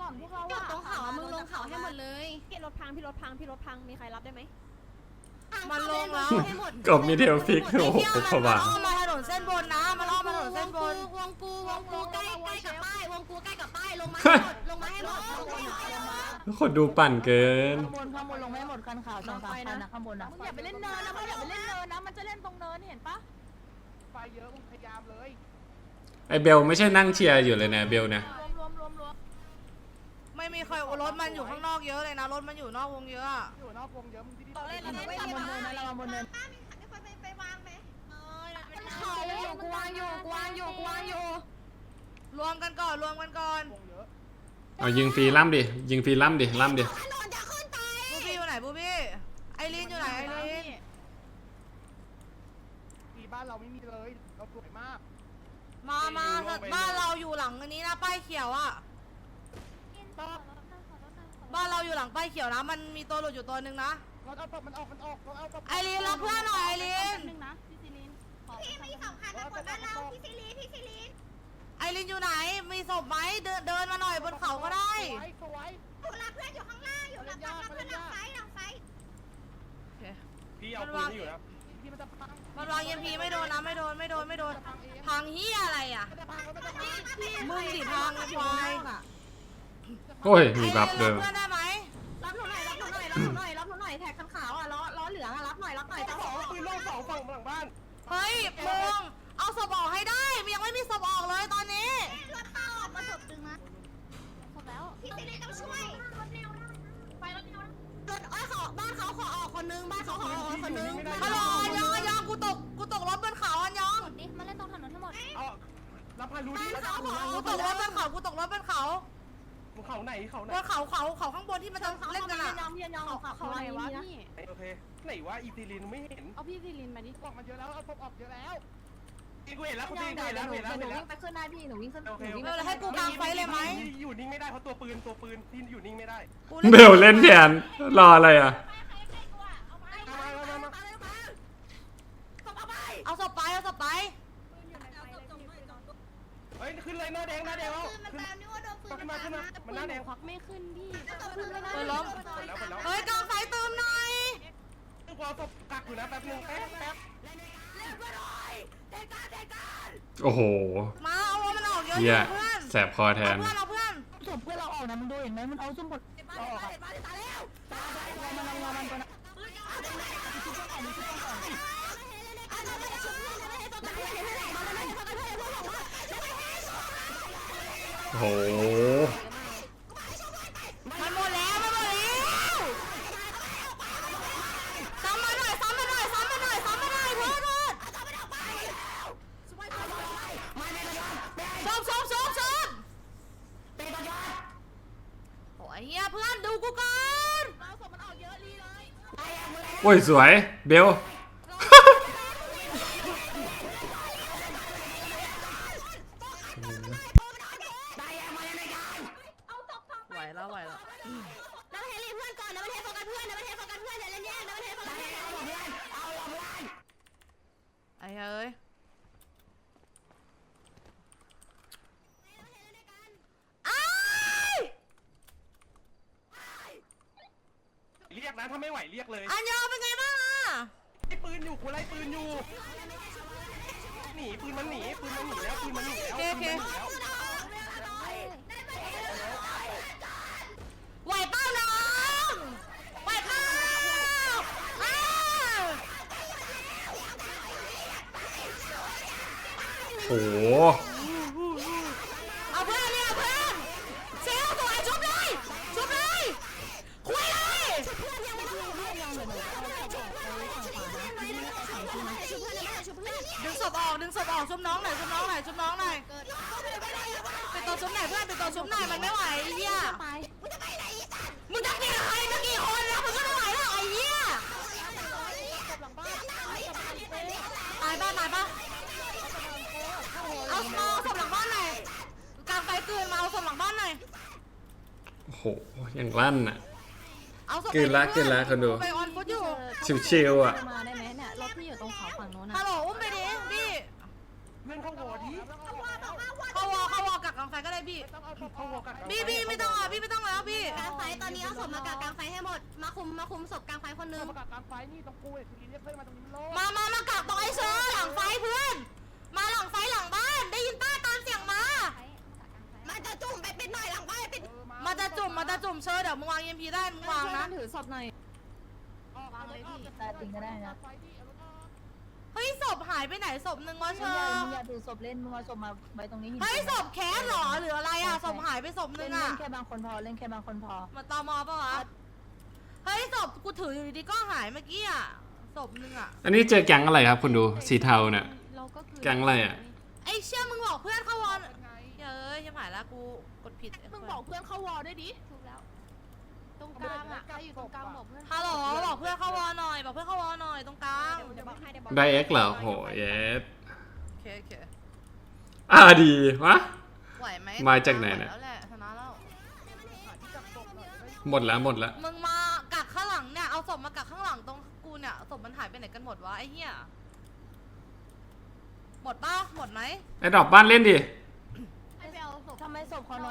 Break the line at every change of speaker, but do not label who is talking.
ก่อนพวกเรา
จอดตรงเขามึงลงเขาให้หมดเลย
พี่รถพังมีใครรับได้ไหม
มันลงแล้วให้หมด
ก็มีเทลฟิกโอ้โหพบา
อ้อมมาถนนเส้นบนนะมันอ้อมมาถนนเส้นบน
วงกูใกล้กับป้ายวงกูใกล้กับป้ายลงมาให้หมด
คนดูปั่นเกิน
ข้างบนลงไม่หมดคันขาวสองสามคันนะข้างบนนะ
มึงอย่าไปเล่นเนินนะมันจะเล่นตรงเนินเห็นปะ
ไฟเยอะมึงพยายามเลย
ไอเบลไม่ใช่นั่งเชียร์อยู่เลยนะเบลเนี่ย
รวม
ไม่มีใครรถมันอยู่ข้างนอกเยอะเลยนะรถมันอยู่นอกวงเยอะอะ
อยู่นอกวงเยอะมึงที่นี่
เล่น
บนเนินนะเราบนเนิน
ไปวางไหม
เขากูวางอยู่
รวมกันก่อน
วงเยอะ
เอายิงฟรีล่ำดิยิงฟรีล่ำดิ
บูบี้อยู่ไหนบูบี้ไอรีนอยู่ไหนไอรีน
ที่บ้านเราไม่มีเลยเราสวยมาก
มาบ้านเราอยู่หลังอันนี้นะป้ายเขียวอะบ้านเราอยู่หลังป้ายเขียวนะมันมีตัวหลุดอยู่ตัวหนึ่งนะ
เราเอาศพมันออกเราเอาศพ
ไอรีนรับเพื่อนหน่อยไอรีน
นึงนะพี่ซิลิน
พี่มี2คันนะคนบ้านเราพี่ซิลี
ไอรีนอยู่ไหนมีศพไหมเดินมาหน่อยบนเขาก็ได้
สวย
อยู่รับเพื่อนอยู่ข้างล่างอยู่รับเพื่อนหลังไฟ
พี่เอาปืนที่อยู่แล้วพี่มันจะพัง
มันวางเอ็มพีไม่โดนนะไม่โดนพังเฮียอะไรอะ
มันจะพัง
มึงดิพังไอ้ควาย
โอ้ยมีบัฟเดิม
เพื่อนได้ไหม
รับหนูหน่อยแท็กคันขาวอ่ะล้อเหลืองอ่ะรับหน่อยเจ้าของ
ปืนโล่2ฝั่งหลังบ้าน
เฮ้ยมึงเอาศพออกให้ได้มันยังไม่มีศพออกเลยตอนนี้
รถเข้ามาศพตึงนะ
ครบแล้ว
พี่ซิลีต้องช่วยไปรถเร็วรถอ้อยขอบ้านเขาขอออกคนนึงบ้านเขาขอออกคนนึง
ฮัลโหลอันยองกูตกรถบนเขาอันยอง
ดิมันเล่นตรงถนนทั้งหมด
เอารับพารู้ดิ
กูตกรถบนเขา
เขาไหนเขาไหน
บนเขาข้างบนที่มันจะเล่นกันอะ
ยองเขาอะไรวะพี่
โอเคไหนวะอีซีลินไม่เห็น
เอาพี่ซิลินมาดิ
ออกมาเยอะแล้วเอาศพออกเยอะแล้วกูเห็นแล้วกูเห็นแล้ว
หนูวิ่งไปขึ้นได้พี่หนูวิ่งขึ้น
โอเค
เออแล้วให้กูกางไฟเลยไหม
อยู่นิ่งไม่ได้เพราะตัวปืนที่อยู่นิ่งไม่ได้
เบลเล่นแทนรออะไรอ่ะ
เอาศพไป
เฮ้ยขึ้นเลยหน้าแดงแล้ว
มันตามนี่ว่าโดนปืน
ขึ้นมามันหน้าแดง
ควักไม่ขึ้นพี่
เออล้มเฮ้ยกางไฟเติมหน่อย
กูเอาศพกักอยู่นะแป๊บนึงแป๊บ
โอ้โห
มาเอามันออกเยอะ
เฮีย
เพื่อน
แสบคอแทน
เอาเพื่อน
ศพเพื่อนเราออกนะมึงดูเห็นไหมมันเอาส้มผลเอาออกมันตัวนั้น
โอ้โห
มันหมดแล้วซ้ำมาหน่อยโทษชบโอ้ยเฮียเพื่อนดูกูก่อน
โอ้ยสวยเบล
ไหวแล้ว
แล้วเฮลีเพื่อนก่อนแล้วมันเทโฟกัสเพื่อนอย่าเล่นแย่แล้วมันเทโฟกัสเพื่อน
ไอ้เฮ้ย
เรียกนะถ้าไม่ไหวเรียกเลย
อันยองเป็นไงบ้างอะ
ไล่ปืนอยู่กูไล่ปืนอยู่หนีปืนมันหนีแล้ว
โอเคไหวเป้าน้องไหวเป้า
โอ้โห
เอาเพื่อนเซลตัวไอ้ชุบเลยคุยเลยดึงศพออกชุบน้องหน่อยไปตัวชุบไหนเพื่อนไปตัวชุบไหนมันไม่ไหวไอ้เหี้ยมึงจะกี่ใครจะกี่คนแล้วมึงก็ไม่ไหวแล้วไอ้เหี้ยตายป่ะเอาศพหลังบ้านหน่อยกางไฟเกินมาเอาศพหลังบ้านหน่อย
โอ้โหอย่างลั่นอ่ะ
เอาศพ
เกินละคนดู
ไปออนฟุตอยู่
ชิวๆอ่ะ
มาได้ไหมเนี่ยรถที่อยู่ตรงเขาฝั่งโน้น
ฮัลโหลอุ้มไปดิพี่
เพื่อนเข้าวอร์ดิ
เขาวอกักกกลางไฟก็ได้พี่
ต้องเอาเข้าหัวกัน
พี่ไม่ต้องอ่ะพี่ไม่ต้องแล้วพี่
กลางไฟตอนนี้เอาศพมากลางไฟให้หมดมาคุมศพกลางไฟคนนึง
ประกาศกลางไฟนี่ตรงกูเนี่ยคือเรียกเพื่อนมาตรงนี้โล
มากลับตรงไอ้เชอร์หลังไฟเพื่อน มาหลังไฟหลังบ้านได้ยินป้าตามเสียงมา
มันจะจุ่มไปเป็นหน่อยหลังบ้านเป็น
มันจะจุ่มเชอร์เดี๋ยวมึงวาง EMP ได้มึงวางนะ
ถือศพหน่อย
ตาจริงก็ได้นะ
เฮ้ยศพหายไปไหนศพหนึ่งวะเช
มึ
อง
อย่า
ร์
ถือศพเล่นมึงเอาศพมาไว้ตรงนี้
เฮ้ยศพแคสเหรอหรืออะไรอ่ะศพหายไปศพห
เล่
นึ่
น
งอ่ะ
แค่บางคนพอเล่นแค่บางคนพอ
มาตอมอปะวะเฮ้ยศพกูถืออยู่ดีๆก็หายเมื่อกี้อ่ะศพหนึ่งอ่ะ
อันนี้เจอแก๊งอะไรครับคุณดูสีเทาเนี่ย
เราก็คือ
แก๊งอะไรอ่ะ
ไอ้เชี่ยมึงบอกเพื่อนเข้าวอนเฮ้ยยังหายละกูกดผิด
มึงบอกเพื่อนเข้าวอลด้วยดิถูกแล้ว ตรงกลางอ่ะใครอยู่ตรงกลางบอกเพื่อน
ฮัลโหลบอกเพื่อนเข้าวอนหน่อยบอกเพื่อนเข้าวอนหน่อยตรงกลาง
ไดเอ็กเหรอโหเยส
โอเค
ดีวะ
ไหวไหม
มาจากไหนเนี่ย
แล้วแหละชนะแล้ว
หมดแล้วหมดแล้ว
มึงมากักข้างหลังเนี่ยเอาศพมากักข้างหลังตรงกูเนี่ยศพมันหายไปไหนกันหมดวะไอ้เหี้ยหมดป่ะหมดไหม
ไอ้ดอกบ้านเล่นดิ
ให้ไปเอาศพ
ทำไมศพเขาน้อย